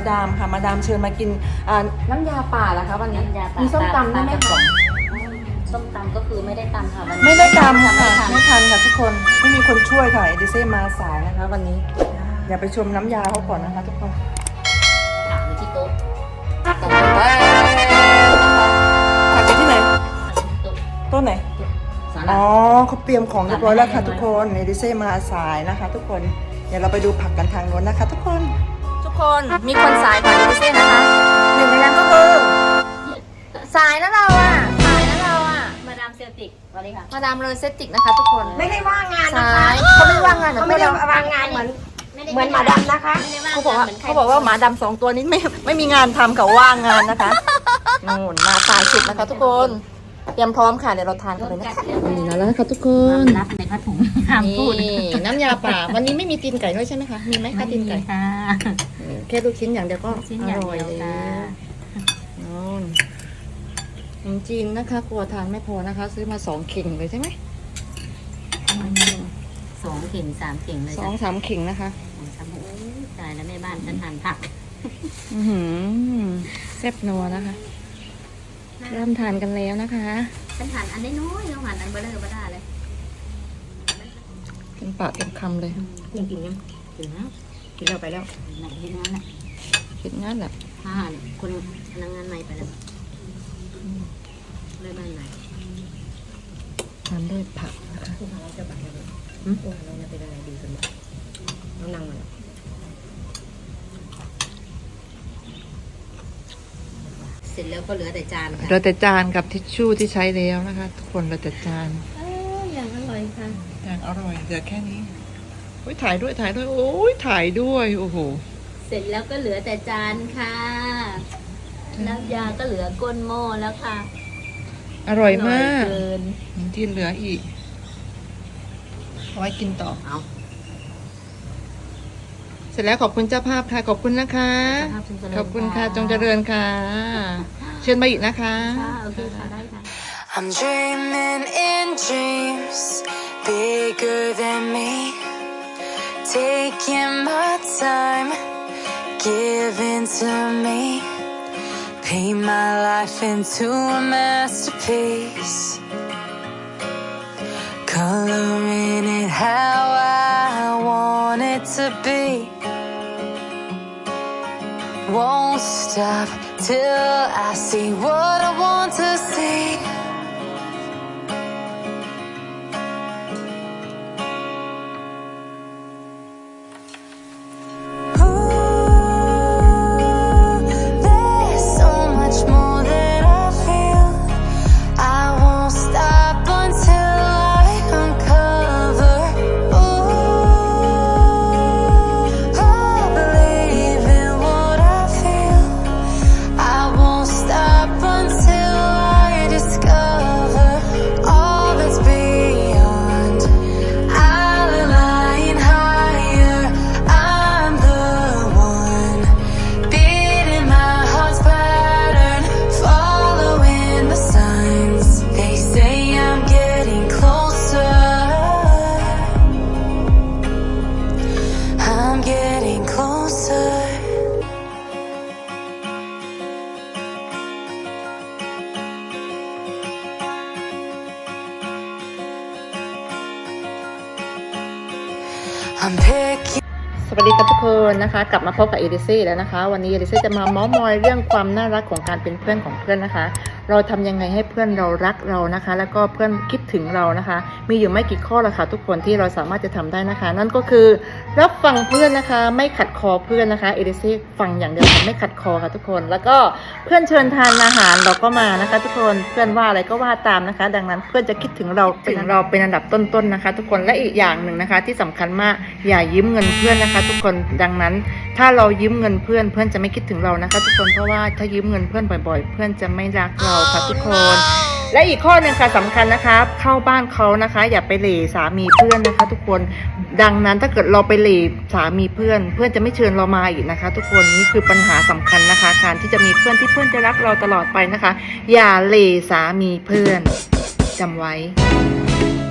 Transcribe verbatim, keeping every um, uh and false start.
ดามค่ะมาดามเชิญมากินน้ำยาป่าเหรอคะวันนี้มีส้มตำได้ไหมคะส้มตำก็คือไม่ได้ตำค่ะวันนี้ไม่ได้ตำค่ะไม่ทันค่ะทุกคนไม่มีคนช่วยค่ะเอดิเซ่มาสายนะคะวันนี้อย่าไปชมน้ำยาเขาก่อนนะคะทุกคนผักอยู่ที่โต๊ะผักอยู่ที่ไหนโต๊ะไหนอ๋อเขาเตรียมของเรียบร้อยแล้วค่ะทุกคนเอดิเซ่มาสายนะคะทุกคนเดี๋ยวเราไปดูผักกันทางโน้นนะคะทุกคนทุกคนมีคนสายก่อนเอดิเซ่นะคะหนึ่งในนั้นก็คือสายนะเราอ่ะสายนะเราอ่ะมาดามเซลติกสวัสดีค่ะมาดามเลเซติกนะคะทุกคนไม่ได้ว่างงานนะะคะเขาไม่ว่างงานเขาไม่ได้ว่างงานเหมือนเหมือนหมาดำนะคะเขาบอกว่าเขาบอกว่าหมาดำสองตัวนี้ไม่ไม่มีงานทำกับว่างงานนะคะนู่นมาสายสุดนะคะทุกคนเตรียมพร้อมค่ะเดี๋ยวเราทานกันเลยนะคะนี่แล้วนะคะทุกคนรับในผ้าถุงห้ามพูดน้ำยาป่าวันนี้ไม่มีตีนไก่ด้วยใช่ไหมคะมีไหมคะตีนไก่ค่ะแค่ลูกชิ้นอย่างเดียวก็อร่อยเลยนู่นขนมจีนนะคะกลัวทานไม่พอนะคะซื้อมาสองเข่งเลยใช่ไหมสองเข่งสามเข่งเลยสองสามเข่งนะคะตายแล้วแม่บ้านฉันทานผักอือหือแซ่บนัวนะคะเริ่มทานกันแล้วนะคะฉันทานอันน้อยๆเราทานอันเบลอเบล่าเลยกินปากเต็มคำเลยกินกินยังกินแล้วกินแล้วไปแล้วไหนกินงั้นแหละกินงั้นแหละถ้าคนพนักงานใหม่ไปแล้วเลยบ้านไหนทานด้วยผักนะคะเราจะบัตรอะไรเราจะเป็นอะไรดีกันบ้างเรานั่งมาเสร็จแล้วก็เหลือแต่จานค่ะเหลือแต่จานกับทิชชู่ที่ใช้แล้วนะคะทุกคนเหลือแต่จานอย่างอร่อยค่ะอย่างอร่อยเหลือแค่นี้โอ้ยถ่ายด้วยถ่ายด้วยโอ้ยถ่ายด้วยโอ้โหเสร็จแล้วก็เหลือแต่จานค่ะน้ำยาก็เหลือก้นหม้อแล้วค่ะอร่อยมากที่เหลืออีกเอาไว้กินต่อเอาเสร็จแล้วขอบคุณเจ้าภาพค่ะขอบคุณนะคะขอบคุณค่ะจงเจริญค่ะเชิญมาอีกนะคะโอเคค่ะได้ค่ะ I'm dreaming in dreams bigger than me taking my time giving to me paint my life into a masterpiece coloring it how I want it to be won't stop till I see what I want to see I'm picking สวัสดีครับทุกคนนะคะกลับมาพบกับเอดิซี่แล้วนะคะวันนี้เอดิซี่จะมาเม้าท์มอยเรื่องความน่ารักของการเป็นเพื่อนของเพื่อนนะคะเราทำยังไงให้เพื่อนเรารักเรานะคะแล้วก็เพื่อนคิดถึงเรานะคะมีอยู่ไม่กี่ข้อละค่ะทุกคนที่เราสามารถจะทำได้นะคะนั่นก็คือรับฟังเพื่อนนะคะไม่ขัดคอเพื่อนนะคะเอดิซี่ฟังอย่างเดียวไม่ขัดคอค่ะทุกคนแล้วก็เพื่อนเชิญทานอาหารเราก็มานะคะทุกคนเพื่อนว่าอะไรก็ว่าตามนะคะดังนั้นเพื่อนจะคิดถึงเราถึงเราเป็นอันดับต้นๆนะคะทุกคนและอีกอย่างหนึ่งนะคะที่สำคัญมากอย่ายืมเงินเพื่อนนะคะทุกคนดังนั้นถ้าเรายืมเงินเพื่อนเพื่อนจะไม่คิดถึงเรานะคะทุกคนเพราะว่าถ้ายืมเงินเพื่อนบ่อยๆเพื่อนจะไม่รักเราค่ะทุกคนและอีกข้อหนึ่งค่ะสำคัญนะคะเข้าบ้านเขานะคะอย่าไปเหล่สามีเพื่อนนะคะทุกคนดังนั้นถ้าเกิดเราไปเหล่สามีเพื่อนเพื่อนจะไม่เชิญเรามาอีกนะคะทุกคนนี่คือปัญหาสำคัญนะคะการที่จะมีเพื่อนที่เพื่อนจะรักเราตลอดไปนะคะอย่าเหล่สามีเพื่อนจำไว้